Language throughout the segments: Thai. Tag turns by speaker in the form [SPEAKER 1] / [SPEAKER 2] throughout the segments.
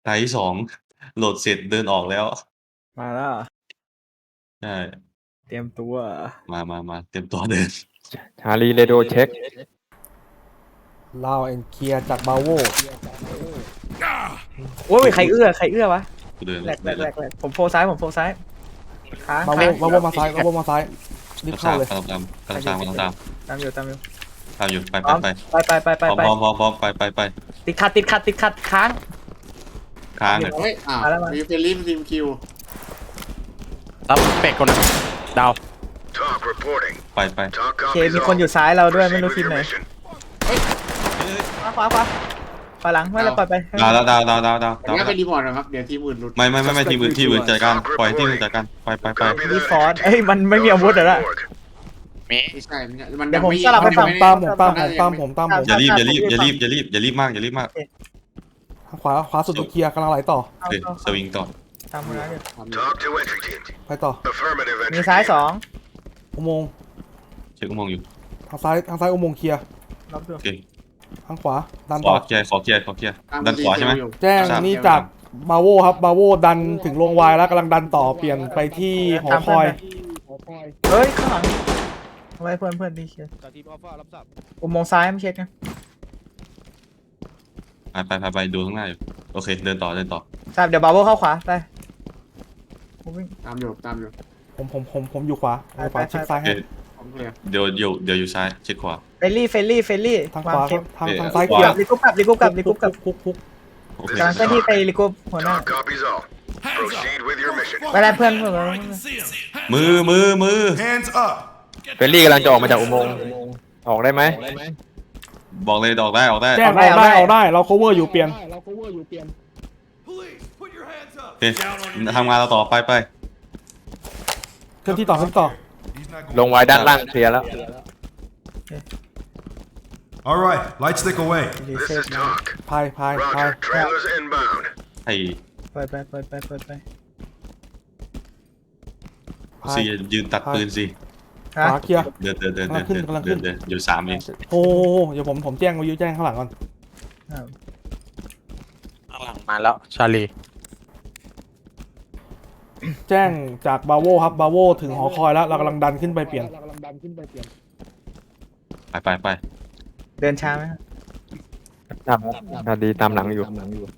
[SPEAKER 1] ตาที่2โหลดเสร็จเดินออกแล้ว
[SPEAKER 2] มาแล้ว
[SPEAKER 1] ใช่
[SPEAKER 2] เตรียมตัว
[SPEAKER 1] มาเตรียมตัวเดิน
[SPEAKER 3] ชาลีเรโดเช็ค
[SPEAKER 4] ลาวแอนเคลียร์จากบาโว
[SPEAKER 2] โอ้ยใครเอื้อวะ
[SPEAKER 1] เดิน
[SPEAKER 2] แหลกผมโฟซ้ายค้าง
[SPEAKER 4] บาโวมาซ้ายรีบเข้าเลย
[SPEAKER 1] กำลังตาม
[SPEAKER 2] ตามอยู่
[SPEAKER 1] ไปพร้อมไป
[SPEAKER 2] ติดขัดค้าง
[SPEAKER 1] เลย
[SPEAKER 5] เฮ้ยมีเฟลลี่ทีมคิว
[SPEAKER 6] รับเป็กคนนะดาว
[SPEAKER 1] ไป
[SPEAKER 2] เคมีคนอยู่ซ้ายเราด้วยไม่รู้ทีมไหนขวาหลังไม่เราปล่อยไป
[SPEAKER 1] ดาว
[SPEAKER 5] งั้นไปรีพอร์ตนะครับเดี๋ยวทีมอื่นหลุด
[SPEAKER 1] ไม่ทีมอื่นจัดการปล่อยทีมอื่นจัดการไป
[SPEAKER 2] รีฟอร์ดมันไม่มีอาวุธเหรอ
[SPEAKER 5] ไม่ใช่มัน
[SPEAKER 2] เดี๋ยวผมสลับไป
[SPEAKER 4] ตามผม
[SPEAKER 1] อย่ารีบมาก
[SPEAKER 4] ขวาสุดเคลียร์กำลังไหลต่อ
[SPEAKER 1] สวิงต่อ
[SPEAKER 2] ตามมือแล้ว
[SPEAKER 4] ไปต่อ
[SPEAKER 2] มีซ้าย2
[SPEAKER 4] อุโมงค์
[SPEAKER 1] เช็คอุโมงค์อยู่
[SPEAKER 4] ทางซ้ายอุโมงค์เคลียร์
[SPEAKER 1] โอเค
[SPEAKER 4] ทางขวาดัน
[SPEAKER 1] ต่อขอเคลียร์ดันขวาใช่ไหม
[SPEAKER 4] แจ้งนี่จากบาโวครับบาโวดันถึงโรงวายแล้วกำลังดันต่อเปลี่ยนไปที่หอคอย
[SPEAKER 2] เฮ้ยข้างหลังไว้เพื่อนดีเชียร์อุโมงค์ซ้ายไม่เช็คนะ
[SPEAKER 1] ไปดูข้างหน้าอยู่โอเคเดินต่อ
[SPEAKER 2] ทราบเดี๋ยวบาโวเข้าขวาไป
[SPEAKER 5] ตามอยู่
[SPEAKER 4] ผมอยู่ขวาเช็คซ้ายให้
[SPEAKER 1] เดี๋ยวอยู่ซ้ายเช็คขวา
[SPEAKER 2] เฟลลี่
[SPEAKER 4] ทางขวาทางซ้ายเคลียร์
[SPEAKER 2] ลิกุ๊บกลับ
[SPEAKER 4] คุก
[SPEAKER 2] กำลังเคลื่อนที่ไปลิกุ๊บหัวหน้าไปแล้วเพื่อน
[SPEAKER 1] มือ
[SPEAKER 3] เฟลลี่กำลังจะออกมาจากอุโมงค์ออกได้ไหม
[SPEAKER 1] บอกเลยออกได้
[SPEAKER 4] แจ้งออกได้เรา cover อยู่เปลี่ยน
[SPEAKER 1] โอเคทำงานเราต่อไป
[SPEAKER 4] เคลื่อนที่ต่อ
[SPEAKER 3] ลงไว้ด้านล่างเคลียร์แล้ว
[SPEAKER 7] All right, light stick away.
[SPEAKER 4] พาย
[SPEAKER 1] ไปสิยืนตัดปืนสิ
[SPEAKER 4] ขวาเคลียร์
[SPEAKER 1] เดินอยู่3เอง
[SPEAKER 4] โอ้เดี๋ยวผมแจ้งวิวแจ้งข้างหลังก่อน
[SPEAKER 6] ข้างหลังมาแล้วชาลี
[SPEAKER 4] แจ้งจากบาโวครับบาโวถึงหอคอยแล้วเรากำลังดันขึ้นไปเปลี่ยน
[SPEAKER 1] ไป
[SPEAKER 2] เดินช้าไหม
[SPEAKER 3] ครับชาลีตามหลังอยู่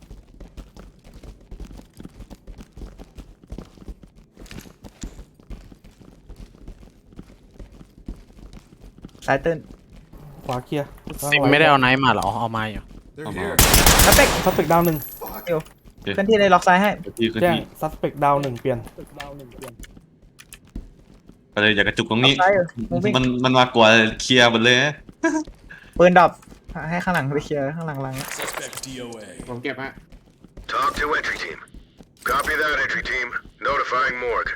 [SPEAKER 2] ซ้ายตื้น
[SPEAKER 4] ขวาเคลียร์
[SPEAKER 6] ซิมไม่ได้เอาไนท์มาหรอเอามาอยู่
[SPEAKER 4] ซัสเปกดาว1
[SPEAKER 2] เคลื่อนที่เลยล็อกซ้ายให้
[SPEAKER 4] แจ้งซัสเปกดาว1เปลี่ยน
[SPEAKER 1] ไปเลยอย่ากระจุกตรงนี้มันมากกว่าเคลียร์หมดเลย
[SPEAKER 2] ปืนดรอปให้ข้างหลังไปเคลียร์ข้างหลัง
[SPEAKER 5] ผมเก็บฮะ
[SPEAKER 8] Talk to entry team. Copy that entry team. Notifying morgue.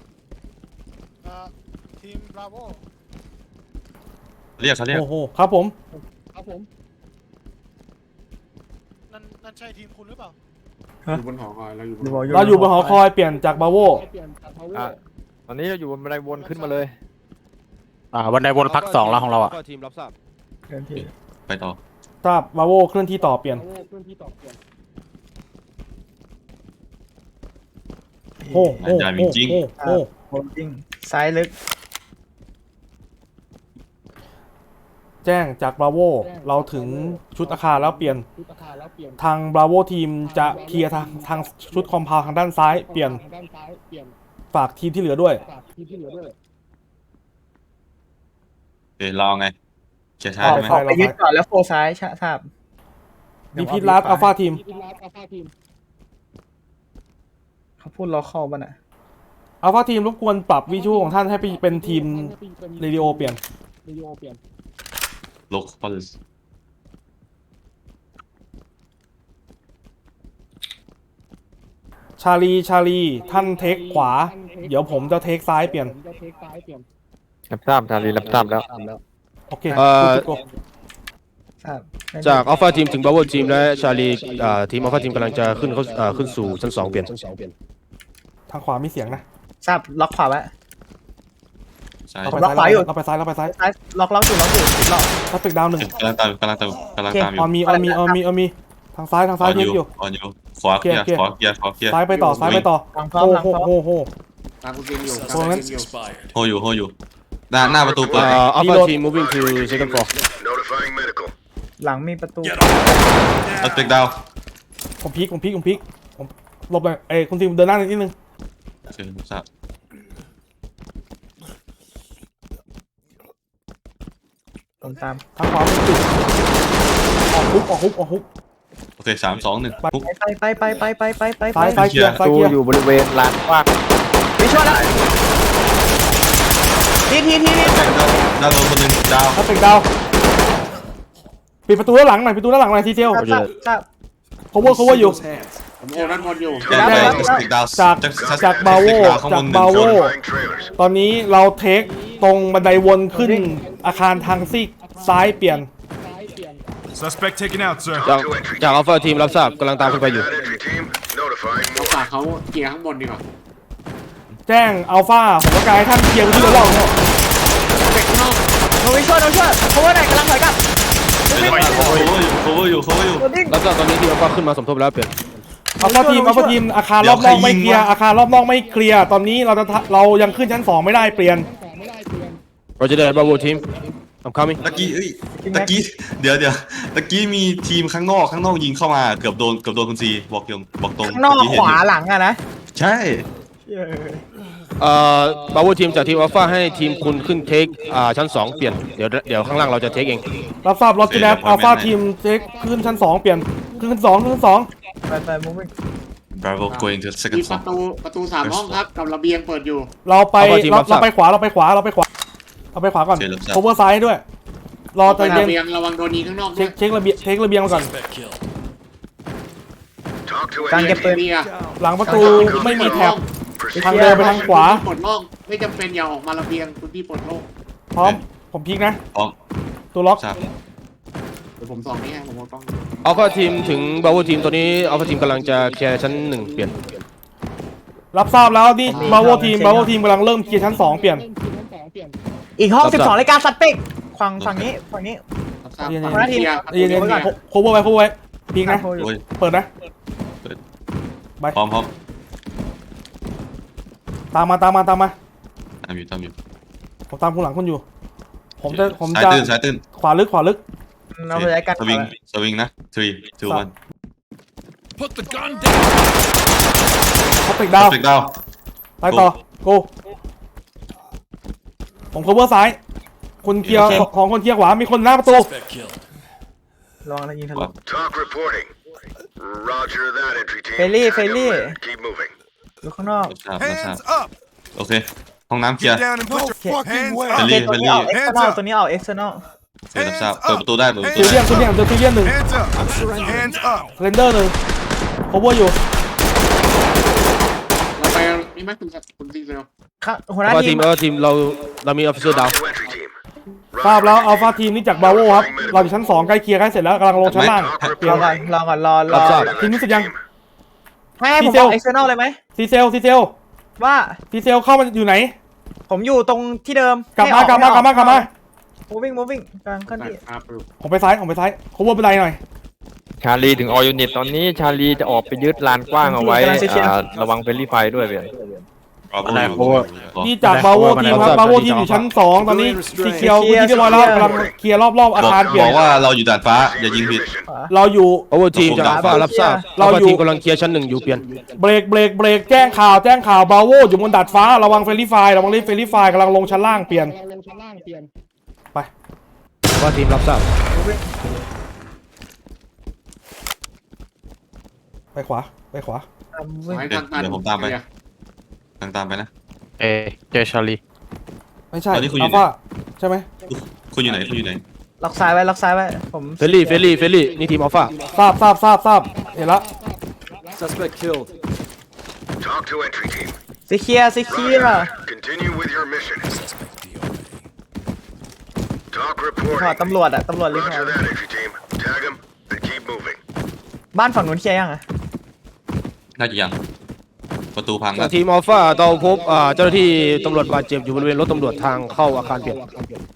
[SPEAKER 9] Team Bravo.
[SPEAKER 1] เรียก
[SPEAKER 4] โอ้โหครับผม
[SPEAKER 9] นั่นใช่ทีมคุณหรือเปล่า
[SPEAKER 5] อยู่บนหอคอยเราอยู่
[SPEAKER 4] บนหอคอยเปลี่ยนจากบาโว
[SPEAKER 3] ตอนนี้เราอยู่บนบันไดวนขึ้นมาเลย
[SPEAKER 6] บันไดวนพัก2แล้วของเรา
[SPEAKER 9] ทีมรับทราบ
[SPEAKER 1] ไปต่อ
[SPEAKER 4] ทราบบาโวเคลื่อนที่ต่อเปลี่ยนโอ้
[SPEAKER 1] จริง
[SPEAKER 2] ซ้ายลึก
[SPEAKER 4] แจ้งจากบราโวเราถึงชุดอาคารแล้วเปลี่ยนทางบราโวทีมจะเคลียร์ทางชุดคอมพาวทางด้านซ้ายเปลี่ยนฝากทีมที่เหลือด้วย
[SPEAKER 1] รอไงเชียร์ช้าใช่ไหม
[SPEAKER 2] ไปยึดก่อนแล้วโฟซ้ายทราบ
[SPEAKER 4] ดีพีลัสอัลฟาทีม
[SPEAKER 2] เขาพูดล็อกเข้าป่ะน่ะ
[SPEAKER 4] อัลฟาทีมรบกวนปรับวิชวลของท่านให้เป็นทีมเรดิโอเปลี่ยน
[SPEAKER 1] โลคอล
[SPEAKER 4] ชาลีท่านเทคขวาเดี๋ยวผมจะเทคซ้ายเปลี่ยน
[SPEAKER 3] รับทราบชาลีรับทราบแล้ว
[SPEAKER 4] โอเค
[SPEAKER 6] จากอัลฟาทีมถึงบราโวทีมและชาลีทีมอัลฟาทีมกำลังจะขึ้นสู่ชั้น2เปลี่ยน
[SPEAKER 4] ทางขวามีเสียงนะ
[SPEAKER 2] ทราบล็อกขวาไว้
[SPEAKER 4] ล็อกขวาอยู่เราไปซ้าย
[SPEAKER 2] ล็อกอยู่ล็อก
[SPEAKER 4] ซัสเปกดาว1
[SPEAKER 1] กำลังตามอยู่
[SPEAKER 4] มีทางซ้ายเช็คอยู่
[SPEAKER 1] ออนอยู่ขวาเคลียร์ขวาเคลียร์ขวาเคลียร์
[SPEAKER 4] ซ้ายไปต่อ
[SPEAKER 2] หลังพร้อมหลังพร้อม
[SPEAKER 4] โห
[SPEAKER 5] ตามคุณทีมอยู่
[SPEAKER 4] ตรงนั้น
[SPEAKER 1] โฮอยู่หน้าประตูเปิด
[SPEAKER 6] Alpha team moving to second floor
[SPEAKER 8] Notifying medical.
[SPEAKER 2] หลังมีประตู
[SPEAKER 1] ตัดเบรกดาว
[SPEAKER 4] ผมพลิกผมหลบเลยคุณทีมเดินหน้านิดนึง
[SPEAKER 1] เชิญทราบ
[SPEAKER 2] ผมตาม
[SPEAKER 4] ทางขวาเป็นจุดออกฮุก
[SPEAKER 1] โอเค3 2 1ปุ๊บ
[SPEAKER 2] ไป
[SPEAKER 4] ซ้ายเคลียร์
[SPEAKER 3] ตูอยู่บริเวณลานกว้าง
[SPEAKER 2] ไปช่วยแล้วที
[SPEAKER 1] ด้านบนคนหนึ่งดาว
[SPEAKER 4] ถ้าเป็นดาวปิดประตูด้านหลังหน่อยทีเดียว
[SPEAKER 2] ครับ
[SPEAKER 4] cover อยู่
[SPEAKER 5] ผมโอ้ด้านบนอยู่
[SPEAKER 1] แจ้งไปเบรกดาว
[SPEAKER 4] จากบาโว
[SPEAKER 1] ข้าง
[SPEAKER 4] จา
[SPEAKER 1] บ
[SPEAKER 4] ก
[SPEAKER 1] น
[SPEAKER 4] บาโว
[SPEAKER 8] Notifying trailers.
[SPEAKER 4] ตอนนี้เราเทคตรงบันไดวนขึ้นอาคารทางซีกซ้ายเปลี่ยน
[SPEAKER 7] Suspect taken out, sir.
[SPEAKER 6] จาก Alpha team รับทราบกำลังตามขึ้นไป
[SPEAKER 8] Copy
[SPEAKER 6] อยู่
[SPEAKER 8] that entry team. Notifying
[SPEAKER 5] เรา
[SPEAKER 8] more.
[SPEAKER 5] ฝากเขาเกียร์ข้างบนดีกว่า
[SPEAKER 4] แจ้งอัลฟาผมต้องการให้ท่านเคลียร์พื้นที่รอบๆ
[SPEAKER 5] เป็กข้างนอก
[SPEAKER 2] เราไปช่วยเพราะว่าไหนกำลังถอยกลับ
[SPEAKER 1] cover อยู่
[SPEAKER 6] รับทราบตอนนี้ทีม Alpha ขึ้นมาสมทบแล้วเปลี่ยน
[SPEAKER 4] อัลฟาทีมอาคารรอบนอกไม่เคลียร์อาคารรอบนอกไม่เคลียร์ตอนนี้เรายังขึ้นชั้น2ไม่ได้เปลี่ยน
[SPEAKER 6] Roger that Bravo team I'm coming
[SPEAKER 1] ตะกี้เดี๋ยวตะกี้มีทีมข้างนอกยิงเข้ามาเกือบโดนคุณซีบอกตรง
[SPEAKER 2] ข้างนอกขวาหลังอะนะ
[SPEAKER 1] ใช่
[SPEAKER 6] Bravo team จากทีม Alpha ให้ทีมคุณขึ้นเทคชั้น2เปลี่ยนเดี๋ยวข้างล่างเราจะเทคเอง
[SPEAKER 4] รับทราบรถที่แล้วอัลฟาทีมเทคขึ้นชั้น2เปลี่ยนขึ้นชั้น2
[SPEAKER 2] ไป moving
[SPEAKER 1] Bravo going to
[SPEAKER 5] มี
[SPEAKER 1] second
[SPEAKER 5] ประตู3ห้องครับกับระเบียงเปิดอยู่
[SPEAKER 4] เราไปขวาก่อน cover ซ้ายด้วยรอใจเย็น
[SPEAKER 5] ระเบียงระวังโดนยิงข้างนอกด้วย
[SPEAKER 4] เช็คระเบียงมาก่อน
[SPEAKER 8] Talk to
[SPEAKER 2] การเก็บปืน
[SPEAKER 5] เบียร์
[SPEAKER 4] หลังประตูไม่มีแท็บ
[SPEAKER 8] Proceed.
[SPEAKER 4] ทางเดินไปทางขวา
[SPEAKER 5] ปลดโล่งไม่จำเป็นอย่าออกมาระเบียงคุณพี่ปลดโล่ง
[SPEAKER 4] พร้อมผมพลิกนะ
[SPEAKER 1] พร้อม
[SPEAKER 4] ตัวล็อก
[SPEAKER 1] ทราบ
[SPEAKER 5] เดี๋ยวผมส่องนี่ให้ผมเอากล้อง
[SPEAKER 6] Alpha team ถึง Bravo team ตอนนี้ Alpha team กำลังจะเคลียร์ชั้น1เปลี่ยน
[SPEAKER 4] รับทราบแล้วนี่บาโวทีมกำลังเริ่มเคลียร์ชั้น2เปลี่ยน
[SPEAKER 2] อีกห้อง12รายการสัตว์เป็กฝั่งนี้
[SPEAKER 5] รับทราบ
[SPEAKER 4] เย็นๆ
[SPEAKER 5] ฝั่งเบียร์
[SPEAKER 4] เย็นๆโคเวอร์ไว้พลิกนะ
[SPEAKER 1] โอ้ย
[SPEAKER 4] เปิดนะไป
[SPEAKER 1] พร้อม
[SPEAKER 4] ตามมา
[SPEAKER 1] ตามอยู่
[SPEAKER 4] ผมตามคุณหลังคุณอยู่ ผมจะ
[SPEAKER 1] สายตื้น
[SPEAKER 4] ขวาลึก
[SPEAKER 2] เราไปรายการ
[SPEAKER 1] สวิงนะ3 2 1
[SPEAKER 4] เขาปิดดาว
[SPEAKER 1] เบรกดาว
[SPEAKER 4] ไปต่อโกผม cover ซ้ายคุณเคลียร์ของคนเคลียร์ขวามีคนหน้าประตู
[SPEAKER 2] ลองแล้วยิงทะลุ
[SPEAKER 8] Talk reporting. Roger that entry team.
[SPEAKER 2] Fairly.
[SPEAKER 8] Keep moving.
[SPEAKER 2] อยู่ข้างนอก
[SPEAKER 7] Hands up.
[SPEAKER 1] โอเคห้องน้ำเคลียร์
[SPEAKER 7] Get down and put your hands
[SPEAKER 2] โอ
[SPEAKER 7] up.
[SPEAKER 2] เคตัวนี้ออก external ตัวนี้ออก external
[SPEAKER 1] เปิดประตูได้
[SPEAKER 4] ซิลเลียน1
[SPEAKER 7] Hands up. Hands up.
[SPEAKER 4] เรนเดอร์ 1 cover อยู่
[SPEAKER 5] เราไปนี่ไหมคุณซีเร็ว
[SPEAKER 2] หัวหน้า
[SPEAKER 6] Alpha
[SPEAKER 2] ทีม
[SPEAKER 6] team เรามี officer down
[SPEAKER 8] Talk to entry team.
[SPEAKER 4] ทราบแล้วอัลฟาทีมนี่จากบาโวครับเราอยู่ชั้น2ใกล้เคลียร์ใกล้เสร็จแล้วกำลังลงชั้นล่าง
[SPEAKER 2] รอก่อนรอ
[SPEAKER 4] ทีมรู้สึกยัง
[SPEAKER 2] ให้ผมบอก external เลยไหม
[SPEAKER 4] ซีเซล
[SPEAKER 2] ว่า
[SPEAKER 4] เข้ามาอยู่ไหน
[SPEAKER 2] ผมอยู่ตรงที่เดิม
[SPEAKER 4] กลับมา
[SPEAKER 2] moving กลางขั้นที่
[SPEAKER 5] ครับ
[SPEAKER 4] ผมไปซ้าย cover บันไดหน่อย
[SPEAKER 3] ชาลีถึงออยูนิตตอนนี้ชาลีจะออกไปยึดลานกว้างเอาไว้ระวังเฟรนลี่ไฟด้วยเพื่อน
[SPEAKER 4] นี่จากบาโวทีมครับบาโวทีมอยู่ชั้น2ตอนนี้สีเขียวพื้นที่เรียบร้อยแล้วกำลังเคลียร์รอบอาคารเปลี่
[SPEAKER 1] บ
[SPEAKER 4] ย
[SPEAKER 1] อน กว่าเราอยู่ด่านฟ้าอย่ายิงผิด
[SPEAKER 4] เราอยู่
[SPEAKER 6] Bravo team จาก Alpha รับทราบ Alpha team กำลังเคลียร์ชั้น1อยู่เปลี่ยน
[SPEAKER 4] เบรกแจ้งข่าวบาโวอยู่บนดาดฟ้าระวังเฟรนลี่ไฟกำลังลงชั้นล่างเปลี่ยนไป
[SPEAKER 6] Alpha team รับทราบ
[SPEAKER 4] ไปขวา
[SPEAKER 5] ให้ทางตัน
[SPEAKER 1] เดี๋ยวผมตามไป ตามไปนะ
[SPEAKER 6] เจชาลี
[SPEAKER 4] ไม่ใช่
[SPEAKER 1] ตอนนี้คุณอยู่
[SPEAKER 4] อัลฟาใช่ไหม
[SPEAKER 1] คุณอยู่ไหน
[SPEAKER 2] ล็อกซ้ายไว้ผม
[SPEAKER 6] เฟลลี่นี่ทีม Alpha
[SPEAKER 4] ทราบเห็นละ
[SPEAKER 8] Talk to entry team.
[SPEAKER 2] สีเขียว
[SPEAKER 8] Continue with your mission. Talk
[SPEAKER 2] รีพอร์
[SPEAKER 8] reporting.
[SPEAKER 2] ตตำรวจรีพอ
[SPEAKER 8] Roger
[SPEAKER 2] ร์ต
[SPEAKER 8] that entry team. Tag them and keep moving.
[SPEAKER 2] บ้านฝั่งนู้นเคลียร์ยังอะ
[SPEAKER 1] น่าจะยังประตูพัง
[SPEAKER 6] จา
[SPEAKER 1] แล้
[SPEAKER 6] ก
[SPEAKER 1] ว
[SPEAKER 6] ทีม Alpha เราพบเจ้าหน้าที่ตำรวจบาดเจ็บอยู่บริเวณรถตำรวจทางเข้าอาคารเปลี่ยน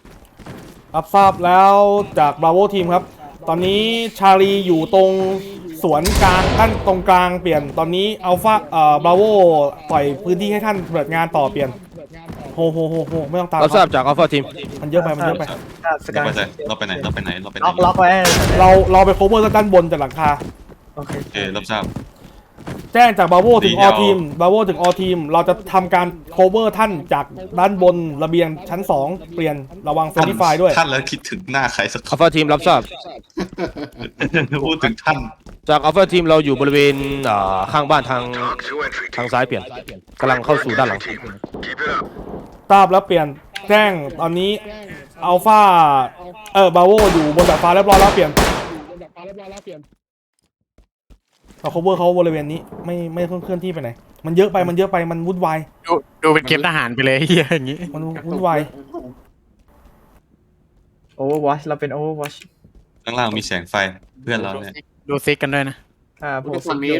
[SPEAKER 4] รับทราบแล้วจากบราโวทีมครับ ตอนนี้ชาลีอยู่ตรงสวนกลางด้านตรงกลางเปลี่ยนตอนนี้อัลฟาบราโวปล่อยพื้นที่ให้ท่านเปิดงานต่อเปลี่ยนโฮไม่ต้องตาม
[SPEAKER 6] รับทราบจากอัลฟาทีม
[SPEAKER 4] มันเยอะไปมันเยอะไป
[SPEAKER 2] สกาย
[SPEAKER 1] เราไปไหนเราไปไหนเราไปไหน
[SPEAKER 2] ล็อกไว้
[SPEAKER 4] เราไป cover ด้านบนจากหลังคา
[SPEAKER 2] โอเค
[SPEAKER 1] โอเครับทราบ
[SPEAKER 4] แจ้งจากบราโวถึง
[SPEAKER 1] ดี
[SPEAKER 4] อ
[SPEAKER 1] เดี๋ยว
[SPEAKER 4] ทีมบราโวถึงอทีมเราจะทำการ cover ท่านจากด้านบนระเบียงชั้น 2 เปลี่ยนระวังเฟรนดี้ไฟด้วย
[SPEAKER 1] ท่านแล้วคิดถึงหน้าใครสักค
[SPEAKER 6] อัลฟาทีมรับทราบ
[SPEAKER 1] นพูดถึงท่าน
[SPEAKER 6] จากอัลฟาทีมเราอยู่บริเวณข้างบ้านทาง
[SPEAKER 8] Talk to entry
[SPEAKER 6] ทาง
[SPEAKER 8] team.
[SPEAKER 6] ซ้ายเปลี่ยนกำลังเข้าสู่ด้านหลัง
[SPEAKER 8] Keep it up.
[SPEAKER 4] ทราบแล้วเปลี่ยนแจ้งตอนนี้อัลฟาบราโวอยู่บนดาดฟ้าเรียบร้อยแล้วเปลี่ยนเรา cover เขาบริเวณนี้ไม่เคลื่อนที่ไปไหนมันเยอะไปมันวุ่นวาย
[SPEAKER 9] ดูเป็นเกมทหารไปเลยเฮียอย่างงี้
[SPEAKER 4] มันวุ่นวาย
[SPEAKER 2] Overwatch เราเป็น Overwatch
[SPEAKER 1] ข้างล่างมีแสงไฟเพื่อนเราเนี่ย
[SPEAKER 9] ดูซิกกันด้วยนะ
[SPEAKER 2] ผม
[SPEAKER 5] ฝั่งนี้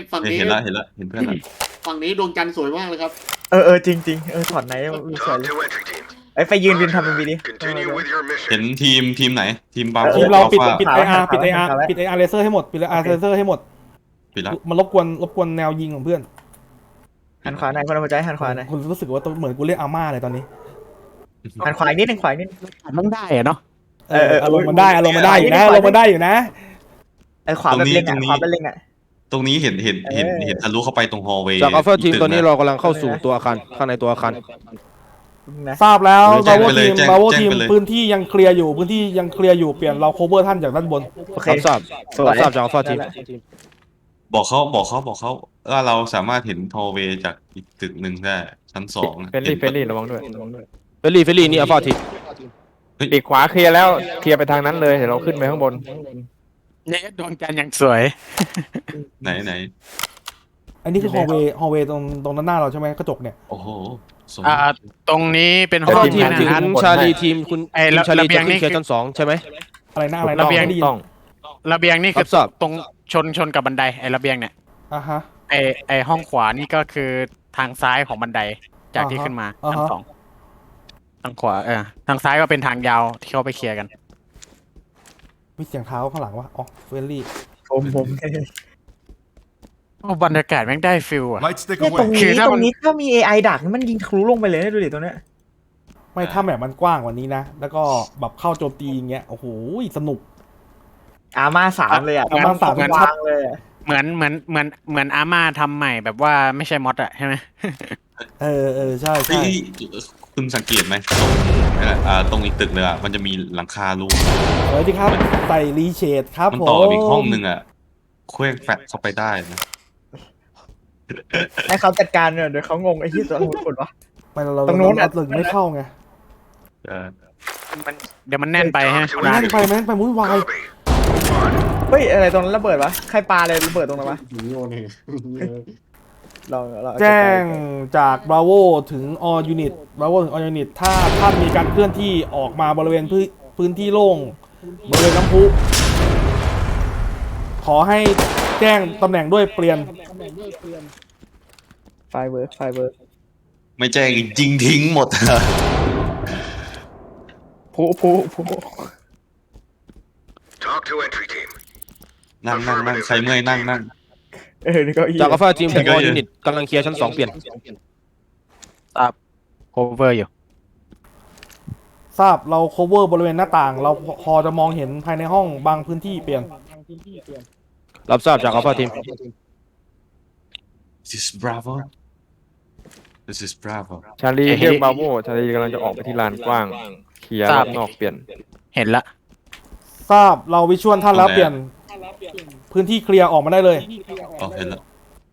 [SPEAKER 1] เห็นแล้วเห็นเพื่อนเรา
[SPEAKER 5] ฝั่งนี้ดวงจันทร์สวยมากเลยครับ
[SPEAKER 2] จริงถอดไหนสวย
[SPEAKER 8] Talk
[SPEAKER 2] เลย
[SPEAKER 8] to entry team.
[SPEAKER 2] ไปยืนทำเป็นวีดี
[SPEAKER 8] Continue with your
[SPEAKER 1] เห็น
[SPEAKER 8] mission.
[SPEAKER 1] ทีมไหนทีมบาร์
[SPEAKER 4] ทีมเราปิด
[SPEAKER 1] อัลฟา
[SPEAKER 4] ปิด AR เลเซอร์ให้หมดปิด AR เลเซอร์ให้หมด
[SPEAKER 1] ปิดแล้ว
[SPEAKER 4] มันรบกวนแนวยิงของเพื่อน
[SPEAKER 2] หันขวาหน่อยคนเอาหัวใจหันขวาหน่อย
[SPEAKER 4] คุณรู้สึกว่าเหมือนกูเรียกอาม่าเลยตอนนี้
[SPEAKER 2] หันขวาอีกนิดนึงขวาอีกนิด
[SPEAKER 9] ต้องได้อะเนาะ
[SPEAKER 4] อารมณ์มันได้อยู่นะอารมณ์มันได้อยู่นะ
[SPEAKER 2] ขวาแบบเล็งขวาแบบเล็ง
[SPEAKER 1] ตรงนี้เห็นทะลุเข้าไปตรงฮอลล์เวย์
[SPEAKER 6] จากอัลฟาทีมตอนนี้เรากำลังเข้าสู่ตัวอาคารข้างในตัวอาคาร
[SPEAKER 2] นะ
[SPEAKER 4] ทราบแล้วบราโว
[SPEAKER 1] แจ้
[SPEAKER 4] ที
[SPEAKER 1] ง
[SPEAKER 4] ม
[SPEAKER 1] ไปเลย
[SPEAKER 4] พื้นที่ยังเคลียร์อยู่เปลี่ยนเรา cover ท่านจากด้านบน
[SPEAKER 2] โอเค
[SPEAKER 6] รับทราบ
[SPEAKER 2] สวย
[SPEAKER 6] รับทราบจากอัลฟาทีม
[SPEAKER 1] บอกเขาว่าเราสามารถเห็นฮอลล์เวย์จากอีกตึกหนึ่งได้ชั้น 2
[SPEAKER 3] เฟรนลี่ระวังด้วย
[SPEAKER 6] เฟลลี่นี่อัลฟาทีม
[SPEAKER 3] ปีกขวาเคลียร์แล้วเคลียร์ไปทางนั้นเลยเดี๋ยวเราขึ้นไปข้างบน
[SPEAKER 9] เนี่ยดวงจันทร์อย่างสวย
[SPEAKER 1] ไหน
[SPEAKER 4] อันนี้คือฮอลเวย์ตรงด้านหน้าเราใช่ไหมกระจกเนี่ย
[SPEAKER 1] โอ้โหสวย
[SPEAKER 9] ตรงนี้เป็น
[SPEAKER 6] อั
[SPEAKER 9] ห้
[SPEAKER 6] ล
[SPEAKER 9] อง
[SPEAKER 6] ฟาทีม
[SPEAKER 9] นะ
[SPEAKER 6] ถึง
[SPEAKER 9] ฮะ
[SPEAKER 6] ชาลีทีมคุณ
[SPEAKER 9] ไอ้
[SPEAKER 6] ทีมชาลี
[SPEAKER 9] ระเบีย
[SPEAKER 6] จะ
[SPEAKER 9] ง
[SPEAKER 6] ขึ้
[SPEAKER 9] นี่
[SPEAKER 6] นเคลียร์ชั้น 2ใช่ไหม
[SPEAKER 4] อะไรนะ
[SPEAKER 9] ระเบียง
[SPEAKER 4] ไม่ได้ยิน
[SPEAKER 3] ต้อง
[SPEAKER 9] ระเบียงนี่คือ
[SPEAKER 6] รับทราบ
[SPEAKER 9] ตรงชนกับบันไดไอ้ระเบียงเนี่ย
[SPEAKER 4] อ่ะฮะ
[SPEAKER 9] ไอ้ห้องขวานี่ก็คือทางซ้ายของบันไดจากที่ขึ้นมา
[SPEAKER 4] อ่าฮะ
[SPEAKER 9] ชั้น 2ทางขวาทางซ้ายก็เป็นทางยาวที่เขาไปเคลียร์กัน
[SPEAKER 4] มีเสียงเท้าข้างหลังวะอ๋อเฟรนลี่
[SPEAKER 2] ผม
[SPEAKER 9] โอ้บรรยากาศแม่งได้ฟิลอะ
[SPEAKER 7] Light stick
[SPEAKER 2] เนี่ยตรง
[SPEAKER 7] away.
[SPEAKER 2] นี้
[SPEAKER 9] คือถ้ามัน
[SPEAKER 2] ถ้ามี AI ดักนี่มันยิงทะลุลงไปเลยนะดูดิตรงเนี้ย
[SPEAKER 4] ไม่ถ้าแบบมันกว้างกว่านี้นะ แล้วก็แบบเข้าโจมตีอย่างเงี้ยโอ้โหสนุก
[SPEAKER 2] อาม่า3เลยอ่ะ
[SPEAKER 4] อาม่า3
[SPEAKER 2] วางเลย
[SPEAKER 9] เหมือนอาม่าทำใหม่แบบว่าไม่ใช่มอดอะใช่ไหม
[SPEAKER 4] ใช่
[SPEAKER 1] เฮ้ยคุณสังเกตไหมตรงอีกตึกเลยมันจะมีหลังคารู
[SPEAKER 4] สวัสดีครับใส่รีเชดครับ
[SPEAKER 1] มัน
[SPEAKER 4] ผม
[SPEAKER 1] ต่อกับอีกห้องหนึ่งเคลื่อนแฟลชเข้าไปได้นะ
[SPEAKER 2] ให้เขาจัดการเนี่ยเดี๋ยวเขางงไอ้ที่ตัวหุ่นกดวะ
[SPEAKER 4] ไม่เรา
[SPEAKER 2] ตรงนู้นอะ
[SPEAKER 4] เราไม่เข้าไง
[SPEAKER 9] เดี๋ยวมันแน่นไปฮะ
[SPEAKER 4] มันนั่งไปวุ่นวาย
[SPEAKER 8] Copy.
[SPEAKER 2] เฮ้ยอะไรตรงนั้นระเบิดวะใครปาอะไรระเบิดตรงนั้นวะ
[SPEAKER 5] โยนเอง
[SPEAKER 2] เรา
[SPEAKER 4] แจ้งจาก Bravo ถึง All Unit Bravo ถึง All Unit ถ้าท่านมีการเคลื่อนที่ออกมาบริเวณพื้นที่โล่งบริเวณน้ำพุขอให้แจ้งตำแหน่งด้วยเปลี่ยน
[SPEAKER 2] ไฟเวิร์ก
[SPEAKER 1] ไม่แจ้งจริงทิ้งหมด
[SPEAKER 2] ผู้
[SPEAKER 8] Talk to entry team.
[SPEAKER 1] นั่งใครเมื่อยนั่ง
[SPEAKER 2] นี่ก็อี
[SPEAKER 6] จากอัลฟาทีมถึง
[SPEAKER 1] ก็
[SPEAKER 6] อ
[SPEAKER 1] เย
[SPEAKER 6] ยู
[SPEAKER 1] อะ
[SPEAKER 6] นิตกำลังเคลียร์ชั้น 2เปลี่ยน
[SPEAKER 9] โคเวอร์อยู่
[SPEAKER 4] ทราบเรา cover บริเวณหน้าต่าง เราพอจะมองเห็นภายในห้องบางพื้นที่เปลี่ยน
[SPEAKER 6] รับทราบจากอัลฟาทีม
[SPEAKER 1] This is Bravo This is Bravo
[SPEAKER 3] ชาลีเรียกบราโวชาลีกำลังจะออกไปที่ลานกว้างเคลียร์รอบนอกเปลี่ยน
[SPEAKER 9] เห็นละ
[SPEAKER 4] ทราบเราวิชวลท่านแล้ว
[SPEAKER 1] โอเค
[SPEAKER 4] เปลี่ยนพื้นที่เคลียร์ออกมาได้เลย
[SPEAKER 1] อ๋อเห็นแล้ว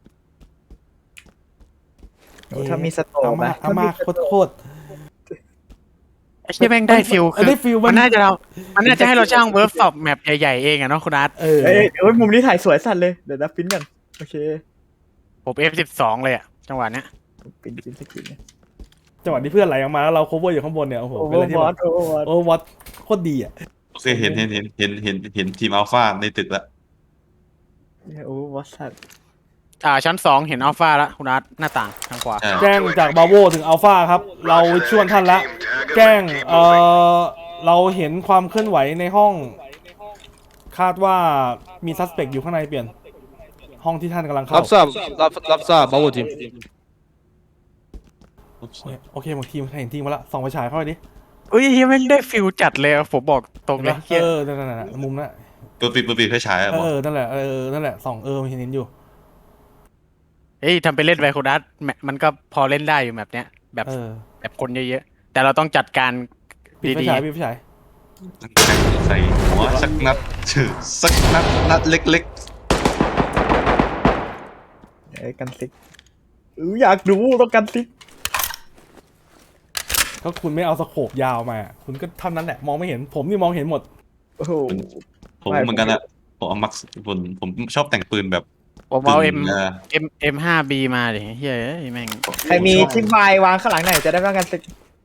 [SPEAKER 2] ถ้ามีสโตร์
[SPEAKER 4] อาม่าโคตร
[SPEAKER 9] ไอ้ที่แม่งได้ฟิลคือ
[SPEAKER 4] ได้ฟิล
[SPEAKER 9] มันน่าจะให้เราจ้างเวิร์กช็อปแมปใหญ่ๆเองอะเนาะคุณอาร์ต
[SPEAKER 2] เอ้ยมุมนี้ถ่ายสวยสัตว์เลยเดี๋ยวนะปิ้นกันโอเค
[SPEAKER 9] ผม F12 เลยอะจังหวะเนี้ย
[SPEAKER 2] ปิ้นสกิน
[SPEAKER 4] จังหวะที่เพื่อนไหลออกมาแล้วเรา cover อยู่ข้างบนเนี่ยโอ้โห
[SPEAKER 2] โอเว
[SPEAKER 4] เป็น
[SPEAKER 2] อ
[SPEAKER 4] อะไร
[SPEAKER 2] ร์
[SPEAKER 4] ที่
[SPEAKER 2] วอ
[SPEAKER 4] แบ
[SPEAKER 2] ต
[SPEAKER 4] บโอ้วัดโคตรดีอ่ะ
[SPEAKER 1] โอเคเห็นทีมอัลฟาในตึกแล้ว
[SPEAKER 2] โอ้วอตสัตว์
[SPEAKER 9] ชั้น 2 เห็นอัลฟาแล้วคุณอาร์ตหน้าต่างทางขวา
[SPEAKER 4] แจ้งจากบาโวถึงอัลฟาครับ เราชวนท่านละแจ้งเราเห็นความเคลื่อนไหวในห้อง คาดว่ามีซัสเปกอยู่ข้างในเปลี่ยน ห้องที่ท่านกำลังเข้า
[SPEAKER 6] รับทราบBravo team
[SPEAKER 4] โอเคหมดทีมเห็นทีมมาละส่องไฟฉายเข้าไปดิ
[SPEAKER 9] เอ้ยไม่งได้ฟิลจัดเลยอะผมบอกตรงเลยเหี้ย
[SPEAKER 4] นั่นน่ะมุมนั้น
[SPEAKER 1] เปิดไฟฉายอะบอก
[SPEAKER 4] นั่นแหละนั่นแหละส่องมันเห็นอยู่
[SPEAKER 9] เอ้ยทำไปเล่นไวโคดัสมันก็พอเล่นได้อยู่แบบเนี้ยแบบคนเยอะๆแต่เราต้องจัดการ
[SPEAKER 4] ปิดไฟ
[SPEAKER 9] ดี
[SPEAKER 4] ฉายปิดไฟฉาย
[SPEAKER 1] ใส่หัวสักนัดนัดเล็ก
[SPEAKER 2] กันซิกอยากดูต้องกันซิก
[SPEAKER 4] ก็คุณไม่เอาสโคปยาวมา คุณก็เท่านั้นแหละมองไม่เห็นผมนี่มองเห็นหมด
[SPEAKER 2] โอ้โห
[SPEAKER 1] ๆผมเหมือนกันอะผมเอามักผมชอบแต่งปืนแบบ
[SPEAKER 9] ผมเอา
[SPEAKER 1] ปืน
[SPEAKER 9] M5B มาดิเฮ้ยแม่ง
[SPEAKER 2] ใครมีจิ้มไววางข้างหลังไหนจะได้ไม่ต้องกันซิก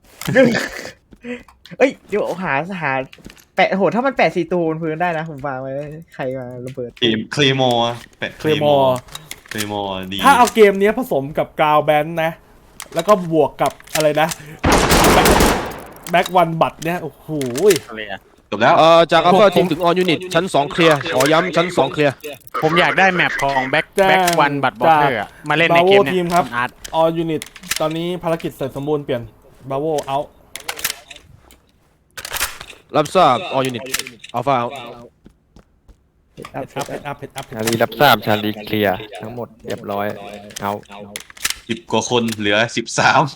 [SPEAKER 2] เอ้ยเดี๋ยวหาแปะโหถ้ามันแปะ4 ตัวบนพื้นได้นะผมวางไว้ใครมาระเบิด
[SPEAKER 1] เคลมอร์เคลมอร์ดี
[SPEAKER 4] ถ้าเอาเกมนี้ผสมกับกราวแบนนะ แล้วก็บวกกับอะไรนะแบ็กวันบัตเนี่ยโอ้โห
[SPEAKER 9] อะไรอะ
[SPEAKER 1] จบแล้ว
[SPEAKER 6] จาก Alpha team ถึง All unit ชั้น2เคลียร์ขอย้ำชั้น2เคลียร์
[SPEAKER 9] ผมอยากได้แมปของแบ็ควันบัตบอเตอร์มาเล่นในเกม
[SPEAKER 4] ที
[SPEAKER 9] เนี้
[SPEAKER 4] ม
[SPEAKER 9] ย
[SPEAKER 4] ครับ
[SPEAKER 9] อาร์ต
[SPEAKER 4] All Unit ตอนนี้ภารกิจเสร็จสมบูรณ์เปลี่ยน Bravo out
[SPEAKER 6] รับทราบ All unit Alpha out
[SPEAKER 4] อัพ
[SPEAKER 3] ชาลีรับทราบชาลีเคลียร์ทั้งหมดเรียบร้อยเอา
[SPEAKER 1] 10 กว่าคนเหลือ 13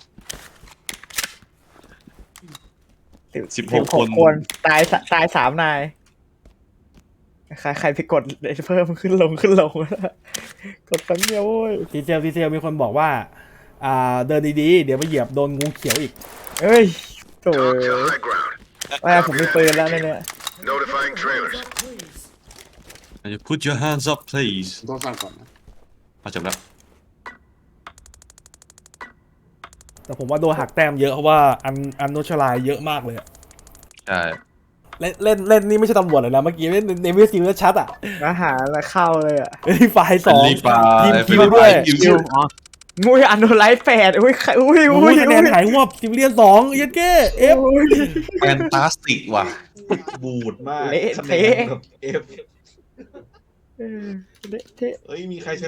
[SPEAKER 1] 16 คน
[SPEAKER 2] ตาย3 นายใครไปกดเพิ่มขึ้นลงกดครั้งเดียวโว้ย
[SPEAKER 4] ดีเทลมีคนบอกว่าเดินดีๆ เดี๋ยวไปเหยียบโดนงูเขียวอีก
[SPEAKER 2] เอ้ยโถ่
[SPEAKER 8] Talk to high ground.
[SPEAKER 2] ว่าผมมีปืนแล้วเนี่ย
[SPEAKER 8] Notifying trailers.
[SPEAKER 1] You put your hands up please
[SPEAKER 5] ต้องสั่งก่อนนะ
[SPEAKER 1] มาจบแล้ว
[SPEAKER 4] แต่ผมว่าโดนหักแต้มเยอะเพราะว่าอันโนชลายเยอะมากเลยอะ
[SPEAKER 1] ใช่
[SPEAKER 4] เล่นนี่ไม่ใช่ตำรวจเลยนะเมื่อกี้เล่นในวิซีแล้วชัดอ่ะ
[SPEAKER 2] มาหาแล้วเข้าเลยอ่ะ
[SPEAKER 4] ฝ่าย2
[SPEAKER 1] รีบไป
[SPEAKER 4] ทีมคิวด้วย
[SPEAKER 1] คิว
[SPEAKER 2] มุ้ยอันโนไลท์8อุ้ย
[SPEAKER 4] คะแนนหายงวบซิมเลียน2เยันเก้เอฟ
[SPEAKER 1] แฟนตาสติกว่ะ บูดมาก
[SPEAKER 2] เละเทะ
[SPEAKER 1] เอฟ
[SPEAKER 2] เละเทะ
[SPEAKER 1] เอ้ยมีใคร